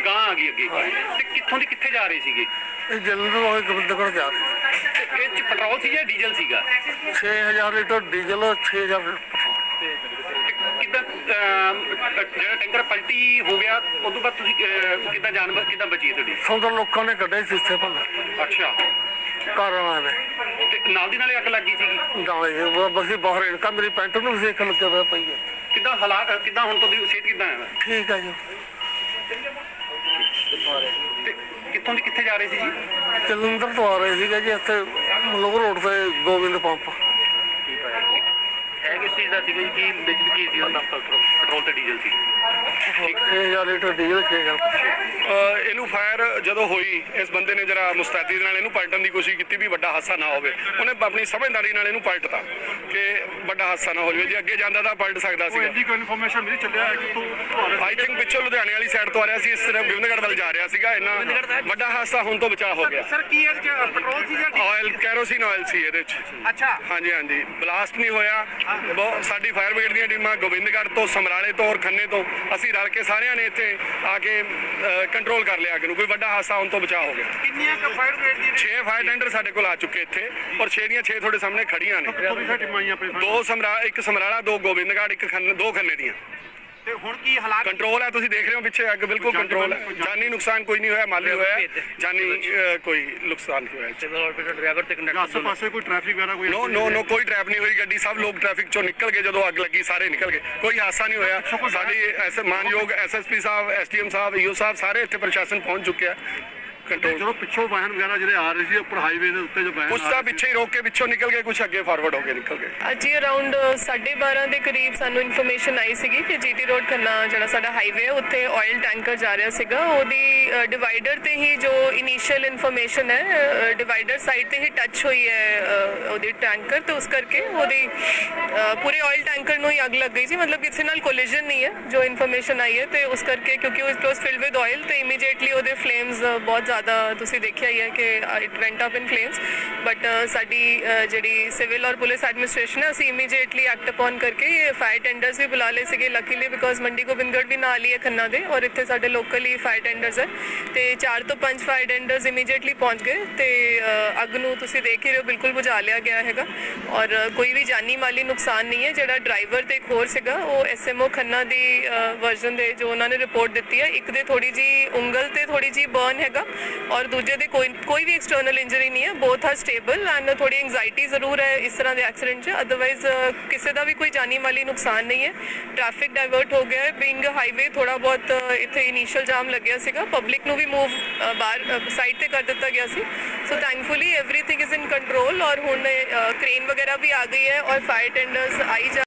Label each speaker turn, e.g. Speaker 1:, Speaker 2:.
Speaker 1: ਗਾਂ ਆ ਗਈ ਅੱਗੇ ਤੇ ਕਿੱਥੋਂ ਦੀ ਕਿੱਥੇ ਜਾ ਰਹੇ ਸੀਗੇ?
Speaker 2: ਇਹ ਜਲੰਧਰ ਵਾਲੇ ਗੋਬਿੰਦਗੜ੍ਹ ਜਾ ਰਹੇ।
Speaker 1: ਤੇ ਇਹ 'ਚ ਪੈਟਰੋਲ ਸੀ ਜਾਂ ਡੀਜ਼ਲ ਸੀਗਾ?
Speaker 2: 6000 ਲੀਟਰ ਡੀਜ਼ਲ 6000
Speaker 1: ਕਿੱਦਾਂ ਜਿਹੜਾ ਟੈਂਕਰ ਪਲਟੀ ਹੋ ਗਿਆ ਉਸ ਤੋਂ ਬਾਅਦ ਤੁਸੀਂ ਕਿੱਦਾਂ ਜਾਨ ਕਿੱਦਾਂ ਬਚੀ ਹੈ ਤੁਹਾਡੀ?
Speaker 2: ਸੌਦਾ ਲੋਕਾਂ ਨੇ ਕੱਢੇ ਸਿੱਸੇ ਭੰਨ
Speaker 1: ਅੱਛਾ,
Speaker 2: ਘਰ ਵਾਲਿਆਂ ਨੇ
Speaker 1: ਤੇ ਨਾਲ ਦੀ ਨਾਲੇ ਅੱਗ ਲੱਗੀ ਸੀਗੀ?
Speaker 2: ਨਾਲੇ ਬਸੀ ਬਾਹਰ ਇਨਕਾ ਮੇਰੀ ਪੈਂਟ ਨੂੰ ਵੀ ਸੇਕ ਲੱਗਿਆ ਪਈ ਹੈ।
Speaker 1: ਕਿੱਦਾਂ ਹਾਲਾਤ ਕਿੱਦਾਂ ਹੁਣ ਤੁਹਾਡੀ ਸਿਹਤ ਕਿੱਦਾਂ ਹੈ?
Speaker 2: ਠੀਕ ਹੈ ਜੀ।
Speaker 1: ਤੇ ਕਿੱਥੋਂ ਦੀ ਕਿੱਥੇ ਜਾ ਰਹੇ ਸੀ ਜੀ?
Speaker 2: ਜਲੰਧਰ ਤੋਂ ਆ ਰਹੇ ਸੀਗੇ ਜੀ, ਇੱਥੇ ਮਲੋਹ ਰੋਡ ਤੇ ਗੋਬਿੰਦ ਪੰਪ।
Speaker 1: ਹੈ ਕਿਸ ਚੀਜ਼ ਦਾ ਸੀਗਾ ਜੀ? ਕੀ ਵਿੱਚ ਕੀ ਸੀ ਉਹਦਾ? ਪੈਟਰੋਲ ਤੇ ਡੀਜ਼ਲ ਸੀ।
Speaker 2: 6000 ਲੀਟਰ ਡੀਜ਼ਲ 6000।
Speaker 3: ਇਹਨੂੰ ਫਾਇਰ ਜਦੋਂ ਹੋਈ ਇਸ ਬੰਦੇ ਨੇ ਜਰਾ ਮੁਸਤੈਦੀ ਨਾਲ ਇਹਨੂੰ ਪਲਟਣ ਦੀ ਕੋਸ਼ਿਸ਼ ਕੀਤੀ ਵੀ ਵੱਡਾ ਹਾਦਸਾ ਨਾ ਹੋਵੇ। ਉਹਨੇ ਆਪਣੀ ਸਮਝਦਾਰੀ ਨਾਲ ਇਹਨੂੰ ਪਲਟਤਾ ਕਿ ਵੱਡਾ ਹਾਦਸਾ ਨਾ ਹੋ ਜਾਵੇ। ਜੇ ਅੱਗੇ ਜਾਂਦਾ ਤਾਂ ਪਲਟ ਸਕਦਾ ਸੀ।
Speaker 1: ਇੰਨੀ ਕੋਈ ਇਨਫੋਰਮੇਸ਼ਨ ਮਿਲੀ ਚੱਲਿਆ ਕਿ ਤੂੰ
Speaker 3: ਆਈ ਥਿੰਕ ਪਿੱਛੋਂ ਲੁਧਿਆਣੇ ਵਾਲੀ ਸਾਈਡ ਤੋਂ ਆ ਰਿਹਾ ਸੀ, ਇਸ ਤਰ੍ਹਾਂ ਗੋਬਿੰਦਗੜ੍ਹ ਵੱਲ ਜਾ ਰਿਹਾ ਸੀਗਾ। ਇੰਨਾ ਵੱਡਾ ਹਾਦਸਾ ਹੋਣ ਤੋਂ ਬਚਾਅ ਹੋ ਗਿਆ।
Speaker 1: ਸਰ ਕੀ ਇਹਦੇ ਚ ਪੈਟਰੋਲ ਸੀ ਜਾਂ
Speaker 3: ਆਇਲ ਕੈਰੋਸਿਨ ਆਇਲ ਸੀ ਇਹਦੇ ਚ।
Speaker 1: ਅੱਛਾ,
Speaker 3: ਹਾਂਜੀ ਹਾਂਜੀ, ਬਲਾਸਟ ਨਹੀਂ ਹੋਇਆ। ਸਾਡੀ ਫਾਇਰ ਬ੍ਰਿਗੇਡ ਦੀਆਂ ਟੀਮਾਂ ਗੋਬਿੰਦਗੜ੍ਹ ਤੋਂ, ਸਮਰਾਲੇ ਤੋਂ ਔਰ ਖੰਨੇ ਤੋਂ ਅਸੀਂ ਰਲ ਕੇ ਸਾਰਿਆਂ ਨੇ ਇੱਥੇ ਆ ਕੇ ਕੰਟਰੋਲ ਕਰ ਲਿਆ ਅੱਗ ਨੂੰ। ਕੋਈ ਵੱਡਾ ਹਾਦਸਾ ਹੋਣ ਤੋਂ ਬਚਾਅ ਹੋ ਗਿਆ।
Speaker 1: ਕਿੰਨੀਆਂ ਕ ਫਾਇਰ ਬ੍ਰਿਗੇਡ ਦੀਆਂ
Speaker 3: 6 ਫਾਇਰ ਟੈਂਡਰ ਸਾਡੇ ਕੋਲ ਆ ਚੁੱਕੇ ਇੱਥੇ ਔਰ 6 ਦੀਆਂ 6 ਤੁਹਾਡੇ ਸਾਹਮਣੇ ਖੜੀਆਂ ਨੇ।
Speaker 1: ਟੀਮਾਂ ਆਈਆਂ ਆਪਣੇ?
Speaker 3: ਇੱਕ ਸਮਰਾਲਾ, 2 ਗੋਬਿੰਦਗੜ੍ਹ, ਦੋ ਖੰਨੇ ਦੀਆਂ।
Speaker 1: ਤੇ ਹੁਣ ਕੀ ਹਾਲਾਤ?
Speaker 3: ਕੰਟਰੋਲ ਹੈ, ਤੁਸੀਂ ਦੇਖ ਰਹੇ ਹੋ ਪਿੱਛੇ ਅੱਗ ਬਿਲਕੁਲ ਕੰਟਰੋਲ ਹੈ। ਜਾਨੀ ਨੁਕਸਾਨ ਕੋਈ ਨਹੀਂ ਹੋਇਆ, ਮਾਲੀ ਹੋਇਆ, ਜਾਨੀ ਕੋਈ ਨੁਕਸਾਨ ਨਹੀਂ ਹੋਇਆ।
Speaker 1: ਡਰਾਈਵਰ ਤੇ ਕੰਡਕਟਰ ਆਸੇ ਪਾਸੇ ਕੋਈ ਟ੍ਰੈਫਿਕ ਵਗੈਰਾ ਕੋਈ?
Speaker 3: ਨੋ ਕੋਈ ਟ੍ਰੈਪ ਨਹੀਂ ਹੋਈ ਗੱਡੀ। ਸਭ ਲੋਕ ਟ੍ਰੈਫਿਕ ਚੋਂ ਨਿਕਲ ਗਏ ਜਦੋਂ ਅੱਗ ਲੱਗੀ, ਸਾਰੇ ਨਿਕਲ ਗਏ, ਕੋਈ ਹਾਦਸਾ ਨਹੀਂ ਹੋਇਆ। ਸਾਡੀ ਮਾਨਯੋਗ ਐਸਐਸਪੀ ਸਾਹਿਬ, ਐਸਡੀਐਮ ਸਾਹਿਬ, ਈਓ ਸਾਹਿਬ ਸਾਰੇ ਇੱਥੇ ਪ੍ਰਸ਼ਾਸਨ ਪਹੁੰਚ ਚੁੱਕਿਆ। ਕੰਟਰੋਲ
Speaker 1: ਜਦੋਂ ਪਿੱਛੋਂ ਵਾਹਨ ਵਗੈਰਾ ਜਿਹੜੇ ਆ ਰਹੇ ਸੀ ਉੱਪਰ ਹਾਈਵੇ ਦੇ ਉੱਤੇ ਜੋ ਵਾਹਨ
Speaker 3: ਕੁਛ ਤਾਂ ਪਿੱਛੇ ਹੀ ਰੋਕ ਕੇ ਪਿੱਛੋਂ ਨਿਕਲ ਗਏ, ਕੁਛ ਅੱਗੇ ਫਾਰਵਰਡ ਹੋ ਕੇ ਨਿਕਲ ਗਏ।
Speaker 4: ਅੱਜ ਹੀ ਅਰਾਊਂਡ 12:30 ਦੇ ਕਰੀਬ ਸਾਨੂੰ ਇਨਫੋਰਮੇਸ਼ਨ ਆਈ ਸੀਗੀ ਕਿ ਜੀਟੀ ਰੋਡ ਖੰਨਾ ਜਿਹੜਾ ਸਾਡਾ ਹਾਈਵੇ ਹੈ ਉੱਥੇ ਆਇਲ ਟੈਂਕਰ ਜਾ ਰਿਹਾ ਸੀਗਾ। ਉਹਦੀ ਡਿਵਾਈਡਰ ਤੇ ਹੀ ਜੋ ਇਨੀਸ਼ੀਅਲ ਇਨਫੋਰਮੇਸ਼ਨ ਹੈ, ਡਿਵਾਈਡਰ ਸਾਈਡ ਤੇ ਹੀ ਟੱਚ ਹੋਈ ਹੈ ਉਹਦੀ ਟੈਂਕਰ, ਤੇ ਉਸ ਕਰਕੇ ਉਹਦੀ ਪੂਰੇ ਆਇਲ ਟੈਂਕਰ ਨੂੰ ਹੀ ਅੱਗ ਲੱਗ ਗਈ ਸੀ। ਮਤਲਬ ਕਿਸੇ ਨਾਲ ਕੋਲੀਜਨ ਨਹੀਂ ਹੈ ਜੋ ਇਨਫੋਰਮੇਸ਼ਨ ਆਈ ਹੈ। ਤੇ ਉਸ ਕਰਕੇ ਕਿਉਂਕਿ it was filled with oil ਤੇ ਇਮੀਡੀਏਟਲੀ ਉਹਦੇ ਫਲੇਮਸ ਬਹੁਤ ਜ਼ਿਆਦਾ ਤੁਸੀਂ ਦੇਖਿਆ ਹੀ ਹੈ ਕਿ it went up in flames. But ਸਾਡੀ ਜਿਹੜੀ ਸਿਵਲ ਔਰ ਪੁਲਿਸ ਐਡਮਿਨਿਸਟ੍ਰੇਸ਼ਨ ਹੈ, ਅਸੀਂ ਇਮੀਡੀਏਟਲੀ ਐਕਟ ਅਪਨ ਕਰਕੇ ਫਾਇਰ ਟੈਂਡਰਸ ਵੀ ਬੁਲਾ ਲਏ ਸੀਗੇ ਲੱਕੀਲੀ, ਬਿਕੋਜ਼ ਮੰਡੀ ਗੋਬਿੰਦਗੜ੍ਹ ਵੀ ਨਾਲ ਹੀ ਹੈ ਖੰਨਾ ਦੇ ਔਰ ਇੱਥੇ ਸਾਡੇ ਲੋਕਲੀ ਫਾਇਰ ਟੈਂਡਰਸ ਹੈ। ਤੇ 4 ਤੋਂ 5 ਫਾਇਰ ਟੈਂਡਰਸ ਇਮੀਡੀਏਟਲੀ ਪਹੁੰਚ ਗਏ ਤੇ ਅੱਗ ਨੂੰ ਤੁਸੀਂ ਦੇਖ ਹੀ ਰਹੇ ਹੋ ਬਿਲਕੁਲ ਬੁਝਾ ਲਿਆ ਗਿਆ ਹੈਗਾ ਔਰ ਕੋਈ ਵੀ ਜਾਨੀ ਮਾਲੀ ਨੁਕਸਾਨ ਨਹੀਂ ਹੈ। ਜਿਹੜਾ ਡਰਾਈਵਰ ਤੇ ਇੱਕ ਹੋਰ ਸੀਗਾ ਉਹ ਐਸਐਮਓ ਖੰਨਾ ਦੀ ਵਰਜ਼ਨ ਦੇ ਜੋ ਉਹਨਾਂ ਨੇ ਰਿਪੋਰਟ ਦਿੱਤੀ ਹੈ, ਇੱਕ ਦੇ ਥੋੜੀ ਜੀ ਉਂਗਲ ਤੇ ਥੋੜੀ ਜੀ ਬਰਨ ਹੈਗਾ ਔਰ ਦੂਜੇ ਦੇ ਕੋਈ ਵੀ ਐਕਸਟਰਨਲ ਇੰਜਰੀ ਨਹੀਂ ਹੈ। ਬੋਥ ਆਰ ਸਟੇਬਲ ਐਂਡ ਥੋੜੀ ਐਂਗਜ਼ਾਈਟੀ ਜ਼ਰੂਰ ਹੈ ਇਸ ਤਰ੍ਹਾਂ ਦੇ ਐਕਸੀਡੈਂਟ 'ਚ, ਅਦਰਵਾਈਜ਼ ਕਿਸੇ ਦਾ ਵੀ ਕੋਈ ਜਾਨੀ ਮਾਲੀ ਨੁਕਸਾਨ ਨਹੀਂ ਹੈ। ਟ੍ਰੈਫਿਕ ਡਾਇਵਰਟ ਹੋ ਗਿਆ ਹੈ। ਬਿੰਗ ਹਾਈਵੇ ਥੋੜਾ ਬਹੁਤ ਇੱਥੇ ਇਨੀਸ਼ੀਅਲ ਜਾਮ ਲੱਗਿਆ ਸੀਗਾ, ਪਬਲਿਕ ਨੂੰ ਵੀ ਮੂਵ ਬਾਹਰ ਸਾਈਡ ਤੇ ਕਰ ਦਿੱਤਾ ਗਿਆ ਸੀ। So thankfully everything is in control ਔਰ ਹੁਣ ਕ੍ਰੇਨ ਵਗੈਰਾ ਵੀ ਆ ਗਈ ਹੈ ਔਰ ਫਾਇਰ ਟੈਂਡਰਸ ਆਈ